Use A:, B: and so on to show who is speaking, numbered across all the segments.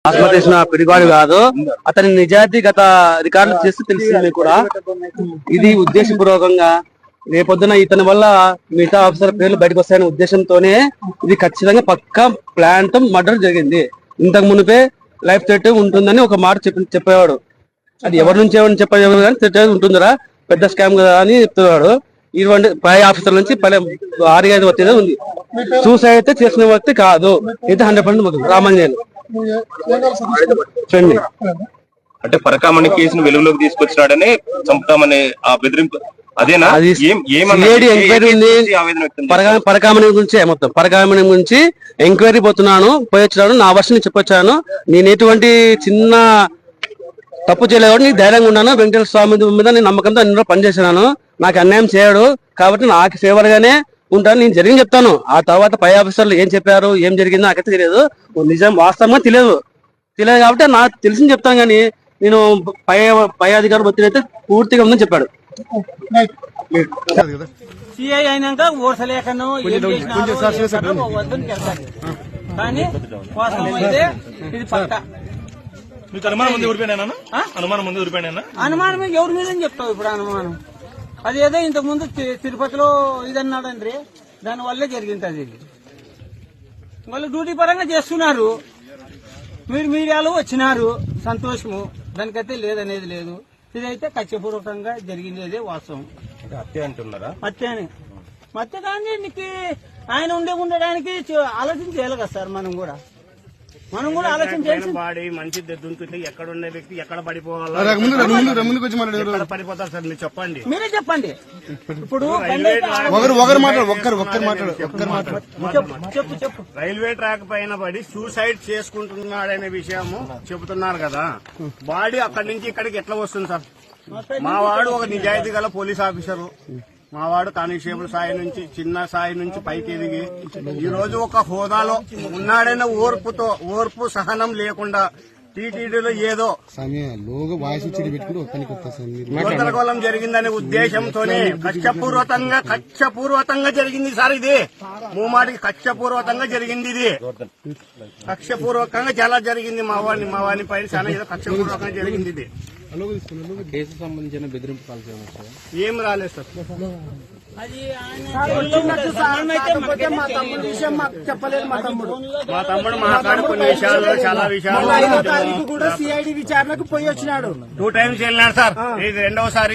A: ఆత్మహత్య పిడిగాడు కాదు, అతని నిజాయితీ గత రికార్డులు చేస్తే తెలిసింది కూడా. ఇది ఉద్దేశపూర్వకంగా రేపొద్దున ఇతని వల్ల మిగతా ఆఫీసర్ పేర్లు బయటకు వస్తాయనే ఉద్దేశంతోనే ఇది ఖచ్చితంగా పక్కా ప్లాన్ తో మర్డర్ జరిగింది. ఇంతకు మునిపే లైఫ్ థ్రెట్ ఉంటుందని ఒక మాట చెప్పేవాడు. అది ఎవరి నుంచి ఎవరిని చెప్పేవాడు కానీ థ్రెట్ ఉంటుందిరా, పెద్ద స్కామ్ కదా అని చెప్తున్నాడు. ఇటువంటి పై ఆఫీసర్ నుంచి 6-5 వచ్చేదే ఉంది. సూసైడ్ అయితే చేసిన వ్యక్తి కాదు, అయితే 100% రామంజన్
B: అంటే పరకామణి కేసును వెలుగులోకి తీసుకొచ్చినాడని చంపుతామని ఆ బెదిరింపు అదేనా?
A: పరకామణి గురించి మొత్తం పరకామణి గురించి ఎంక్వైరీ పోతున్నాను, పోయి వచ్చాను, నా వర్షం చెప్పొచ్చాను. నేను ఎటువంటి చిన్న తప్పు చేయలేదు, నీకు ధైర్యంగా ఉన్నాను. వెంకటేశ్వర స్వామి మీద నేను నమ్మకంతో అన్ని పనిచేసినాను. నాకు అన్యాయం చేయడు కాబట్టి నాకు ఫేవర్గానే ఉంటాను. నేను జరిగింది చెప్తాను. ఆ తర్వాత పై ఆఫీసర్లు ఏం చెప్పారు, ఏం జరిగిందో నాకైతే తెలియదు. నిజం వాస్తవంగా తెలియదు కాబట్టి నాకు తెలిసింది చెప్తాను. కానీ నేను పై అధికారులు ఒత్తిడి అయితే పూర్తిగా ఉందని చెప్పాడు.
C: సిఐ అయినాక ఓర్సలేకను కానీ వాస్తవం అయితే ఇది పక్కా.
D: మీకు అనుమానం ముందు ఊరిపోయినా? అనుమానం ముందు ఊరిపోయినా?
C: అనుమానం ఎవరి మీద చెప్తావు ఇప్పుడు? అనుమానం అదేదో ఇంతకు ముందు తిరుపతిలో ఇదన్నాడండి, దాని వల్లే జరిగింది. అది వాళ్ళు డ్యూటీ పరంగా చేస్తున్నారు, మీరు మీడియాలో వచ్చినారు, సంతోషము. దానికైతే లేదనేది లేదు. ఇదైతే కక్షపూర్వకంగా జరిగింది వాస్తవం.
B: హత్య అంటున్నారా?
C: హత్యని హత్య కానీ నీకు ఆయన ఉండడానికి ఆలోచన చేయాలి కదా సార్. మనం కూడా ఆలోచించాల్సి
E: బాడీ మంచి దుంకుంటే ఎక్కడ ఉన్న వ్యక్తి ఎక్కడ పడిపోవాలి, పడిపోతారు సార్. మీరు చెప్పండి,
C: మీరే చెప్పండి. ఇప్పుడు చెప్పు.
E: రైల్వే ట్రాక్ పైన పడి సూసైడ్ చేసుకుంటున్నాడనే విషయము చెబుతున్నారు కదా. బాడీ అక్కడి నుంచి ఇక్కడికి ఎట్లా వస్తుంది సార్? మా వాడు ఒక నిజాయితీ గల పోలీస్ ఆఫీసరు, మా వాడు కానిస్టేబుల్ స్థాయి నుంచి చిన్న స్థాయి నుంచి పైకి ఎదిగి ఈ రోజు ఒక హోదాలో ఉన్నాడైన ఓర్పు సహనం లేకుండా టీటీడీలో ఏదో గందరగోళం జరిగిందనే ఉద్దేశంతోనే కక్షపూర్వకంగా జరిగింది సార్. ఇది మూమాటికి కక్షపూర్వకంగా జరిగింది. ఇది కక్షపూర్వకంగా చాలా జరిగింది. మా వాడిని పైన చాలా ఏదో కక్షపూర్వకంగా జరిగింది. ఇది
A: కేసు సంబంధించిన బెదిరింపు కాల్
E: ఏం రాలేదు సార్.
C: మా తమ్ముడు విషయం మాకు చెప్పలేదు. మా తమ్ముడు
E: మా కాడు కొన్ని విషయాల్లో చాలా విషయాలు
C: కూడా సిఐడి విచారణకు పోయి వచ్చినాడు.
E: 2 times వెళ్ళినాడు సార్. ఇది రెండోసారి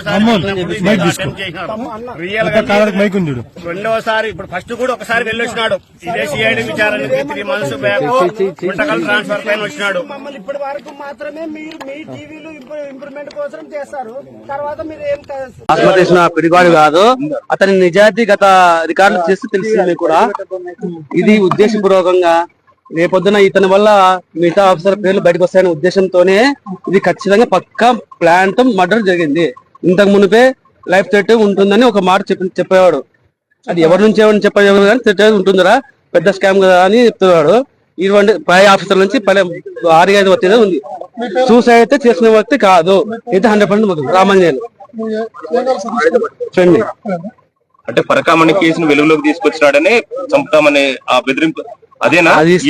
E: రియల్ గా రెండోసారి. ఇప్పుడు ఫస్ట్ కూడా ఒకసారి వెళ్ళొచ్చినాడు. ఇదే సిఐడి విచారణకి 3 months బ్యాక్ గుంటకల్ ట్రాన్స్ఫర్ పైన వచ్చినాడు.
C: మమ్మల్ని ఇప్పటి వరకు మాత్రమే మీరు మీ టీవీలు ఇంప్రూవ్మెంట్ కోసం చేస్తారు. తర్వాత మీరు ఏం
A: ఆత్మహత్య పిడిగాడు కాదు, అతని నిజాయితీ గత రికార్డులు చేస్తే తెలిసింది కూడా. ఇది ఉద్దేశపూర్వకంగా రేపొద్దున ఇతని వల్ల మిగతా ఆఫీసర్ పేర్లు బయటకు వస్తాయనే ఉద్దేశంతోనే ఇది ఖచ్చితంగా పక్కా ప్లాన్ తో మర్డర్ జరిగింది. ఇంతకు మునిపే లైఫ్ థ్రెట్ ఉంటుందని ఒక మాట చెప్పేవాడు. అది ఎవరి నుంచి ఎవరిని చెప్పేవాడు కానీ థ్రెట్ ఉంటుందిరా, పెద్ద స్కామ్ కదా అని చెప్తున్నాడు. ఇటువంటి పై ఆఫీసర్ నుంచి 6-5 వచ్చేదే ఉంది. సూసైడ్ అయితే చేసిన వ్యక్తి కాదు, అయితే 100% రామంజన్
B: అంటే పరకామణి కేసును వెలుగులోకి తీసుకొచ్చినాడని చంపుతామని ఆ బెదిరింపు అదేనా?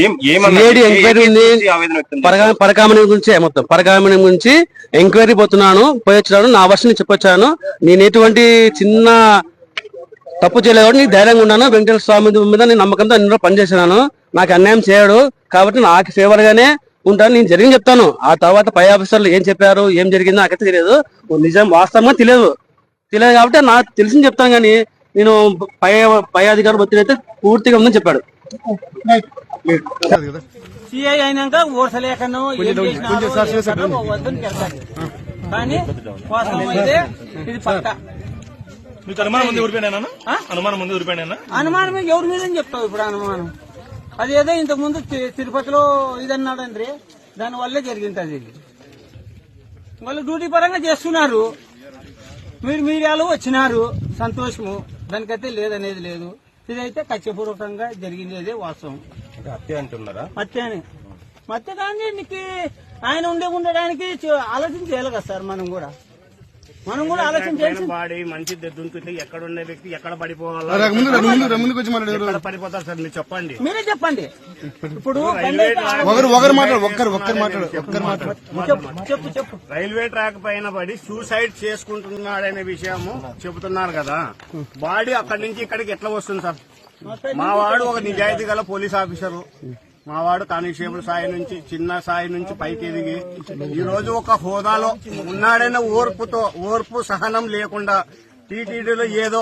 A: పరకామణి గురించి మొత్తం పరకామణి గురించి ఎంక్వైరీ పోతున్నాను, పోయి వచ్చాను, నా వర్షం చెప్పొచ్చాను. నేను ఎటువంటి చిన్న తప్పు చేయలేదు, నీకు ధైర్యంగా ఉన్నాను. వెంకటేశ్వర స్వామి మీద నేను నమ్మకంతో అన్ని పనిచేసినాను. నాకు అన్యాయం చేయడు కాబట్టి నాకు ఫేవర్గానే ఉంటాను. నేను జరిగింది చెప్తాను. ఆ తర్వాత పై ఆఫీసర్లు ఏం చెప్పారు, ఏం జరిగిందో నాకైతే తెలియదు. నిజం వాస్తవంగా తెలియదు కాబట్టి నాకు తెలిసింది చెప్తాను. కానీ నేను పై అధికారులు ఒత్తిడి అయితే పూర్తిగా ఉందని చెప్పాడు.
C: సిఐ అయినాక ఓర్సలేకను కానీ వాస్తవం అయితే ఇది పక్కా.
D: మీకు అనుమానం ముందు ఊరిపోయినా? అనుమానం ముందు ఊరిపోయినా?
C: అనుమానం ఎవరి మీద చెప్తావు ఇప్పుడు? అనుమానం అదేదో ఇంతకు ముందు తిరుపతిలో ఇదన్నాడండి, దాని వల్లే జరిగింది. అది వాళ్ళు డ్యూటీ పరంగా చేస్తున్నారు, మీరు మీడియాలో వచ్చినారు, సంతోషము. దానికైతే లేదనేది లేదు. ఇదైతే కక్షపూర్వకంగా జరిగింది వాస్తవం.
B: హత్య అంటున్నారా?
C: హత్య కానీ నీకు ఆయన ఉండడానికి ఆలోచన చేయాలి కదా సార్. మనం కూడా మనం కూడా ఆలోచన చేయాల్సి
E: బాడీ మంచి దుంకుతే ఎక్కడ ఉండే వ్యక్తి ఎక్కడ పడిపోవాలా ఎక్కడ పడిపోతారు సార్ మీరు చెప్పండి.
C: మీరే చెప్పండి. ఇప్పుడు చెప్పు.
E: రైల్వే ట్రాక్ పైన పడి సూసైడ్ చేసుకుంటున్నాడనే విషయము చెబుతున్నారు కదా, బాడీ అక్కడి నుంచి ఇక్కడికి ఎట్లా వస్తుంది సార్? మా వాడు ఒక నిజాయితీ గల పోలీస్ ఆఫీసరు, మా వాడు కానిస్టేబుల్ స్థాయి నుంచి చిన్న స్థాయి నుంచి పైకి ఎదిగి ఈ రోజు ఒక హోదాలో ఉన్నాడైన ఓర్పు సహనం లేకుండా టీటీడీలో ఏదో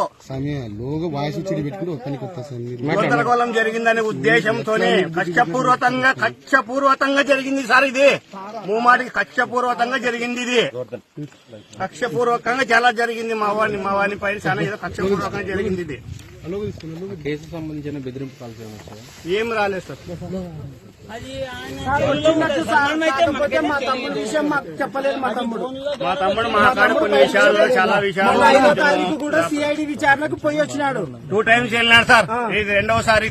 E: గందరగోళం జరిగిందనే ఉద్దేశంతోనే కక్షపూర్వకంగా జరిగింది సార్. ఇది మూమాటికి కక్షపూర్వకంగా జరిగింది. ఇది కక్షపూర్వకంగా చాలా జరిగింది. మా వాడిని పైన చాలా ఏదో కక్షపూర్వకంగా జరిగింది. ఇది
A: కేసు సంబంధించిన బెదిరింపు కాల్
E: ఏం రాలేదు సార్.
C: అది
E: మా తమ్ముడు మాట్లాడి కొన్ని విషయాల్లో చాలా విషయాలు
F: కూడా సిఐడి విచారణకు పోయి వచ్చినాడు.
E: 2 times వెళ్ళినాడు సార్. ఇది రెండోసారి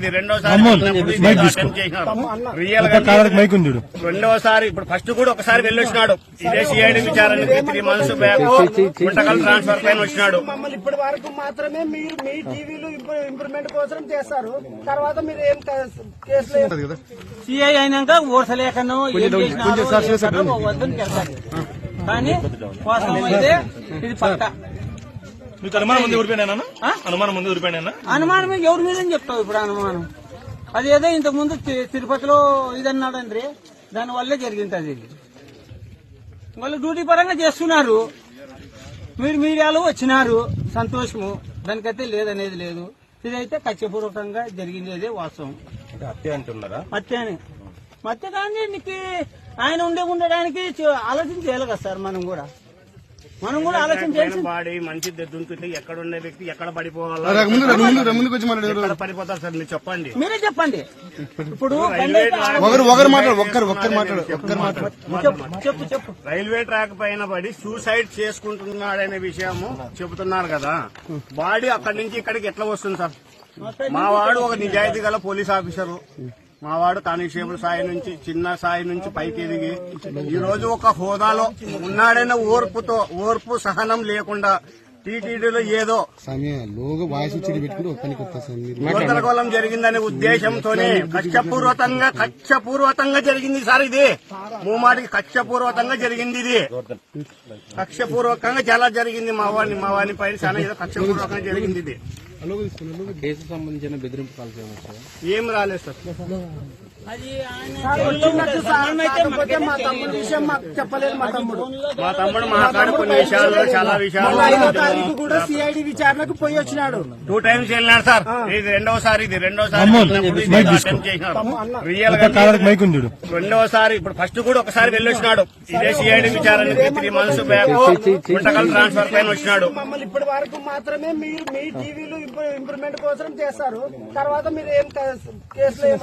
E: రెండోసారి. ఇప్పుడు ఫస్ట్ కూడా ఒకసారి వెళ్ళొచ్చినాడు. ఇదే సిఐడి విచారణకి 3 months బ్యాక్ గుంటకల్ ట్రాన్స్ఫర్ పైన వచ్చినాడు.
F: మమ్మల్ని ఇప్పటి వరకు మాత్రమే మీరు మీ టీవీలు ఇంప్రూవ్మెంట్ కోసం చేస్తారు, తర్వాత మీరు ఏం కేసులు
C: సిఐ అయినాక ఓర్సలేకను ఏం చేసినారో వద్దని చెప్తారు. కానీ వాస్తవం అయితే ఇది పక్క.
D: మీకు అనుమానం ముందు ఊరిపోయినా? అనుమానం ముందు ఊరిపోయినా?
C: అనుమానం ఎవరి మీద చెప్తావు ఇప్పుడు అనుమానం? అదేదో ఇంతకు ముందు తిరుపతిలో ఇదన్నాడండి, దాని వల్లే జరిగింది. అది వాళ్ళు డ్యూటీ పరంగా చేస్తున్నారు, మీరు మీడియాలో వచ్చినారు, సంతోషము. దానికైతే లేదనేది లేదు. ఇదైతే కక్షపూర్వకంగా జరిగింది, అదే వాస్తవం.
B: హత్య అంటున్నారా?
C: హత్యని మధ్య కానీ నీకు ఆయన ఉండడానికి ఆలోచన చేయాలి కదా సార్. మనం కూడా ఆలోచన చేయాల్సి.
E: బాడీ మంచి దుంకుతే ఎక్కడ ఉండే వ్యక్తి ఎక్కడ పడిపోవాలా ఎక్కడ పడిపోతారు సార్ మీరు చెప్పండి.
C: మీరే చెప్పండి. ఇప్పుడు చెప్పు.
E: రైల్వే ట్రాక్ పైన పడి సూసైడ్ చేసుకుంటున్నాడనే విషయము చెబుతున్నారు కదా, బాడీ అక్కడి నుంచి ఇక్కడికి ఎట్లా వస్తుంది సార్? మా వాడు ఒక నిజాయితీ గల పోలీస్ ఆఫీసరు, మా వాడు కానిస్టేబుల్ స్థాయి నుంచి చిన్న స్థాయి నుంచి పైకి ఎదిగి ఈ రోజు ఒక హోదాలో ఉన్నాడైన ఓర్పు సహనం లేకుండా టీటీడీలో ఏదో గందరగోళం జరిగిందనే ఉద్దేశంతోనే కక్షపూర్వకంగా జరిగింది సార్. ఇది మూమాటికి కక్షపూర్వకంగా జరిగింది. ఇది కక్షపూర్వకంగా చాలా జరిగింది. మా వాడిని పైన చాలా ఏదో కక్షపూర్వకంగా జరిగింది. ఇది
A: కేసు సంబంధించిన బెదిరింపు కాల్
E: ఏం రాలేదు సార్.
C: అది
F: మా తమ్ముడు విషయం మాకు చెప్పలేదు. మా తమ్ముడు
E: మాట్లాడి కొన్ని విషయాల్లో చాలా విషయాలు
F: కూడా సిఐడి విచారణకు పోయి వచ్చినాడు.
E: 2 times వెళ్ళినాడు సార్. ఇది రెండోసారి రెండోసారి. ఇప్పుడు ఫస్ట్ కూడా ఒకసారి వెళ్ళొచ్చినాడు. ఇదే సిఐడి విచారణకి 3 months బ్యాక్ గుంటకల్ ట్రాన్స్ఫర్ పైన వచ్చినాడు.
F: మమ్మల్ని ఇప్పటి వరకు మాత్రమే మీరు మీ టీవీలు ఇంప్రూవ్మెంట్ కోసం చేస్తారు, తర్వాత మీరు ఏం కేసులు